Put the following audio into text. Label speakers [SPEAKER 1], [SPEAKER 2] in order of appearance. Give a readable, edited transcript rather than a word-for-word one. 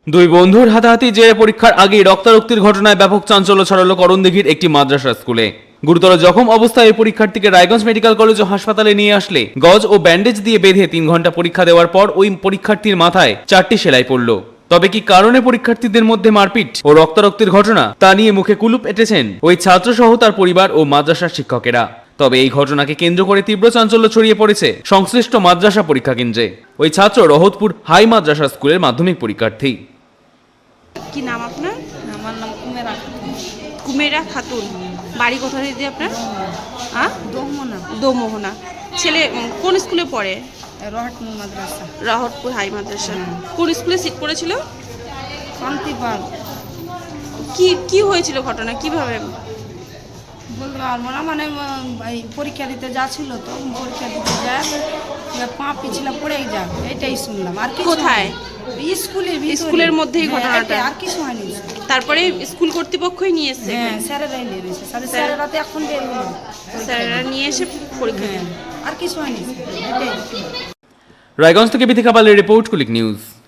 [SPEAKER 1] দুই বন্ধুর হাতাহাতি জেরে পরীক্ষার আগেই রক্তারক্তির ঘটনায় ব্যাপক চাঞ্চল্য ছড়ালো করণদিঘির একটি মাদ্রাসা স্কুলে। গুরুতর জখম অবস্থায় ওই পরীক্ষার্থীকে রায়গঞ্জ মেডিকেল কলেজ ও হাসপাতালে নিয়ে আসলে গজ ও ব্যান্ডেজ দিয়ে বেঁধে 3 ঘন্টা পরীক্ষা দেওয়ার পর ওই পরীক্ষার্থীর মাথায় 4টি সেলাই পড়ল। তবে কি কারণে পরীক্ষার্থীদের মধ্যে মারপিট ও রক্তারক্তির ঘটনা তা নিয়ে মুখে কুলুপ এঁটেছেন ওই ছাত্র সহ তার পরিবার ও মাদ্রাসার শিক্ষকেরা। তবে এই ঘটনাকে কেন্দ্র করে তীব্র চাঞ্চল্য ছড়িয়ে পড়েছে সংশ্লিষ্ট মাদ্রাসা পরীক্ষা কেন্দ্রে। ওই ছাত্র রহতপুর হাই মাদ্রাসা স্কুলের মাধ্যমিক পরীক্ষার্থী।
[SPEAKER 2] কি নাম আপনার?
[SPEAKER 3] আমার নাম কুমেরা খাতুন।
[SPEAKER 2] কুমেরা খাতুন। বাড়ি কোথায় দিদি আপনার?
[SPEAKER 3] দোমনা
[SPEAKER 2] দোমোহনা। ছেলে কোন স্কুলে পড়ে?
[SPEAKER 3] রহাটপুর মাদ্রাসা।
[SPEAKER 2] রহতপুর হাই মাদ্রাসা। কোন স্কুলে সিট পড়েছিল?
[SPEAKER 3] শান্তিপাল।
[SPEAKER 2] কি হয়েছিল ঘটনা, কিভাবে?
[SPEAKER 3] বলতে পারবো না, মানে এই পরীক্ষা দিতে যাচ্ছিল তো পরীক্ষা দিতে যায় পা পিছলে পড়ে যা, এটাই শুনলাম। আর কি
[SPEAKER 2] কোথায়? স্কুলের মধ্যেই ঘটনাটা?
[SPEAKER 3] আর কিছু হয়নি।
[SPEAKER 2] তারপরে স্কুল কর্তৃপক্ষই নিয়ে এসেছে?
[SPEAKER 3] হ্যাঁ, স্যারেরাই নিয়ে এসেছে। স্যারেরা তো এখন বের হলো।
[SPEAKER 2] স্যারেরা নিয়ে এসে পরীক্ষা।
[SPEAKER 3] আর কিছু হয়নি, এটাই।
[SPEAKER 1] রায়গঞ্জ থেকে বিথিকা পালের রিপোর্ট, কুলিক নিউজ।